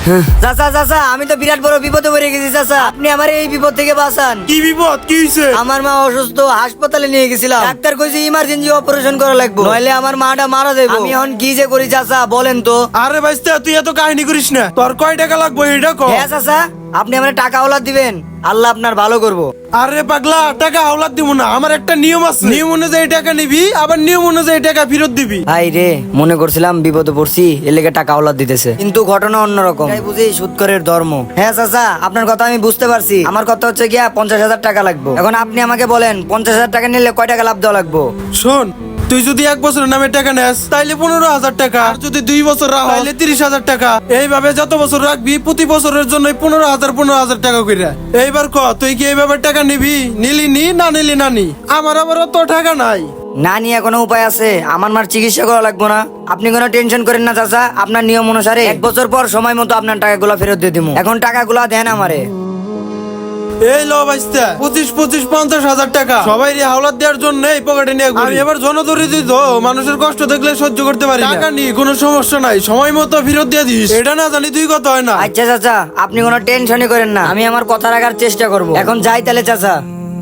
চাচা চাচা, আমি তো বিরাট বড় বিপদে পড়ে গেছি চাচা, আপনি আমার এই বিপদ থেকে বাঁচান। কি বিপদ, কি হইছে? আমার মা অসুস্থ, হাসপাতালে নিয়ে গেছিলাম, ডাক্তার কইছে ইমার্জেন্সি অপারেশন করা লাগবে, নইলে আমার মাটা মারা যাবে। আমি এখন কি যে করি চাচা বলেন তো। আরে ভাইস্তা, তুই এত কাহিনী করিস না। তোর কয় টাকা লাগবে এটা কো। হ্যাঁ চাচা, আপনি আমার টাকা ওলাদ দিবেন, আল্লাহ আপনার ভালো করবো। আরে পাগলা, টাকা হাওলাত দিব না। আমার একটা নিয়ম আছে, নিয়ম অনুযায়ী টাকা নিবি, আবার নিয়ম অনুযায়ী টাকা ফেরত দিবি। ভাই রে, মনে করছিলাম বিপদে পড়ছি, এর লেগে টাকা ওলাদ দিতেছে, কিন্তু ঘটনা অন্যরকম। তাই বুঝি সুদখোরের ধর্ম। হ্যাঁ চাচা, আপনার কথা আমি বুঝতে পারছি। আমার কথা হচ্ছে গিয়া 50,000 টাকা লাগবে। এখন আপনি আমাকে বলেন 50,000 টাকা নিলে কয় টাকা লাভ দেওয়া লাগবে? শোন, তুই যদি 1 বছরের নামে টাকা নেস তাইলে 15,000 টাকা, আর যদি 2 বছর রাখ তাইলে 30,000 টাকা। এইভাবে যত বছর রাখবি প্রতি বছরের জন্য 15,000 টাকা করে। এইবার ক, তুই কি এইভাবে টাকা নিবি? নিলি নি, না নিলি না নি। আমার আবার অত টাকা নাই। না নিয়ে কোনো উপায় আছে? আমার মার চিকিৎসা করা লাগবে না? আপনি কোনো টেনশন করেন না চাচা, আপনার নিয়ম অনুসারে 1 বছর পর সময় মতো আপনার টাকাগুলো ফেরত দিয়ে দিব। এখন টাকাগুলো দেন আমারে। এই লো বাইস্তা, 25,000 টাকা সবাই রে হাওলাত দেওয়ার জন্য এই পকেটে নিয়ে ঘুরি। আমি এবার জনদরিদ্র তো, মানুষের কষ্ট দেখলে সহ্য করতে পারি না। টাকা নি, কোনো সমস্যা নাই, সময় মতো ফেরত দিয়ে দিস। এটা না জানি তুই কত হয় না। আচ্ছা চাচা, আপনি কোনো টেনশনই করেন না, আমি আমার কথা রাখার চেষ্টা করব। এখন যাই তাহলে চাচা।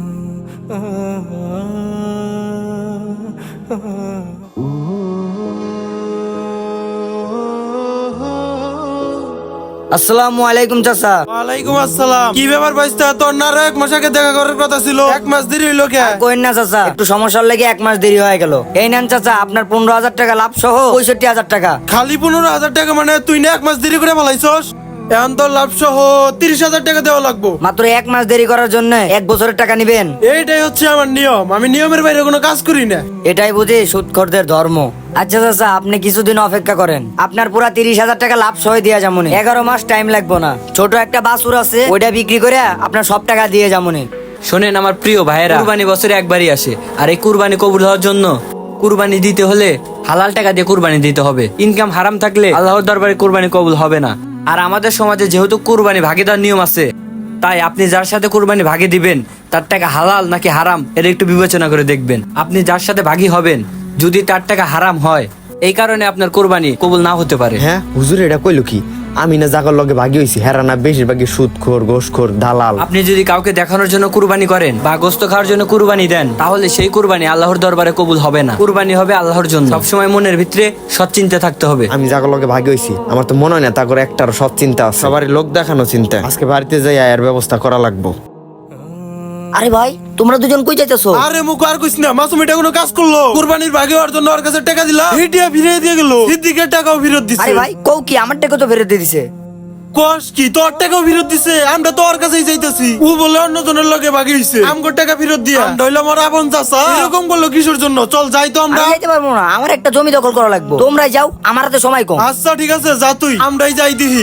আসসালামু আলাইকুম চাচা। ওয়ালাইকুম আসসালাম। কি ব্যাপার বাইস্তা, তোর না 1 মাস আগে দেখা করার কথা ছিল, 1 মাস দেরি হইলো কে? কোয়েন না চাচা, একটু সমস্যার লেগে 1 মাস দেরি হয়ে গেল। এই নেন চাচা, আপনার 15,000 টাকা লাভ সহ 65,000 টাকা। খালি 15,000 টাকা মানে তুই না 1 মাস দেরি করে ফেলাইছস? এখন তোর লাভ সহ 30,000 টাকা দেওয়া লাগবো। মাত্র 1 মাস দেরি করার জন্য 1 বছরের টাকা নিবেন? এইটাই হচ্ছে আমার নিয়ম, আমি নিয়মের বাইরে কোনো কাজ করি না। এটাই বুঝি সুদখোরদের ধর্ম। আচ্ছা চাচা, আপনি কিছুদিন অপেক্ষা করেন, আপনার পুরা 30,000 টাকা লাভ সহ দিয়া যামুনি। 11 মাস টাইম লাগবো না। ছোট একটা বাছুর আছে, ওইটা বিক্রি করে আপনার সব টাকা দিয়ে যামুনি। শোনেন আমার প্রিয় ভাইয়েরা, কুরবানি বছরে একবারই আসে, আর এই কুরবানি কবুল হওয়ার জন্য কুরবানি দিতে হলে হালাল টাকা দিয়ে কুরবানি দিতে হবে। ইনকাম হারাম থাকলে আল্লাহর দরবারে কুরবানি কবুল হবে না। আর আমাদের সমাজে যেহেতু কুরবানি ভাগে দেওয়ার নিয়ম আছে, তাই আপনি যার সাথে কুরবানি ভাগে দিবেন তার টাকা হালাল নাকি হারাম এটা একটু বিবেচনা করে দেখবেন। আপনি যার সাথে ভাগী হবেন, যদি তার টাকা হারাম হয়, এই কারণে আপনার কুরবানি কবুল না হতে পারে। হ্যাঁ হুজুর, এটা কইলো কি? আমি না জাগর লগে ভাগি হইছি, হেরা না বেশিরভাগই সুদখোর, ঘোষখোর, দালাল। আপনি যদি কাউকে দেখানোর জন্য কুরবানি করেন বা গোস্ত খাওয়ার জন্য কুরবানি দেন, তাহলে সেই কুরবানি আল্লাহর দরবারে কবুল হবে না। কুরবানি হবে আল্লাহর জন্য। সবসময় মনের ভিতরে সৎ চিন্তা থাকতে হবে। আমি জাগর লগে ভাগি হইছি, আমার তো মনে হয় না তা করে একটার সব চিন্তা আছে। সবারই লোক দেখানো চিন্তা। আজকে বাড়িতে যাই এর ব্যবস্থা করা লাগবো। আরে ভাই, তোমরা দুজন কই যাইতেছো? আরে মুখ আর কইস না, মাসুম এটা কোনো কাজ করলো? কুরবানির ভাগে হওয়ার জন্য ওর কাছে টাকা দিলাম, হিটিয়া ফিরিয়ে দিয়ে গেল। সিদ্দিকের টাকাও ফেরত দিছে। আরে ভাই, কও কি? আমার টাকা তো ফেরত দিয়ে দিছে। কস কি, তোর টাকাও ফেরত দিছে? আমরা তো ওর কাছেই যাইতাছি, ও বলে অন্য জনের লগে ভাগি হইছে, আমগো টাকা ফেরত দিয়া। আমরা হইলাম ওর আপন চাচা, এরকম বললো কিসের জন্য? চল যাই তো আমরা। আমি যাইতে পারবো না, আমার একটা জমি দখল করা লাগবে। তোমরাই যাও, আমার হাতে সময় কম। আচ্ছা ঠিক আছে, যা তুই, আমরাই যাই দিহি।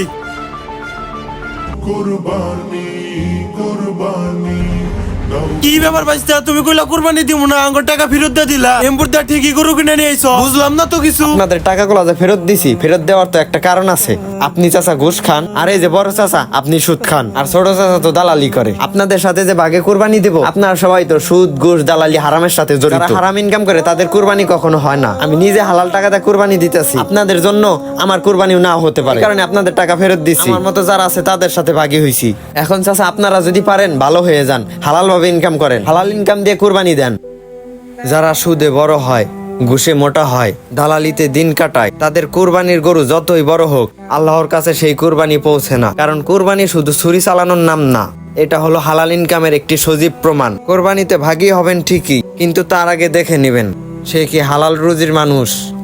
কুরবানি কুরবানি দাও কি ব্যাপার বাইস্তা, তুমি কইলা কুরবানি দিব না, আঙ্গুর টাকা ফেরত দিয়ে দিলা। এমপুর দা ঠিকই গরু কিনে নিয়ে আইছো, বুঝলাম না তো কিছু। আপনাদের টাকাগুলো যে ফেরত দিছি, ফেরত দেওয়ার তো একটা কারণ আছে। আপনি চাচা ঘুষ খান, আর এই যে বড় চাচা আপনি সুদ খান, আর ছোট চাচা তো দালালি করে। আপনাদের সাথে যে ভাগে কুরবানি দিব, আপনারা সবাই তো সুদ, ঘুষ, দালালি, হারামের সাথে জড়িত। যারা হারাম ইনকাম করে তাদের কুরবানি কখনো হয় না। আমি নিজে হালাল টাকা দিয়ে কুরবানি দিতেছি, আপনাদের জন্য আমার কুরবানিও না হতে পারে, কারণ আপনাদের টাকা ফেরত দিছি। আমার মতো যারা আছে তাদের সাথে ভাগী হইছি। এখন চাচা আপনারা যদি পারেন ভালো হয়ে যান, হালাল ভাবে ইনকাম করেন, হালাল ইনকাম দিয়ে কুরবানি দেন। যারা সুদে বড় হয়, ঘুষে মোটা হয়, দালালিতে দিন কাটায়, তাদের কুরবানির গরু যতই বড় হোক, আল্লাহর কাছে সেই কুরবানি পৌঁছে না। কারণ কুরবানি শুধু ছুরি চালানোর নাম না, এটা হলো হালাল ইনকামের একটি সজীব প্রমাণ। কুরবানিতে ভাগী হবেন ঠিকই, কিন্তু তার আগে দেখে নেবেন সে কি হালাল রুজির মানুষ।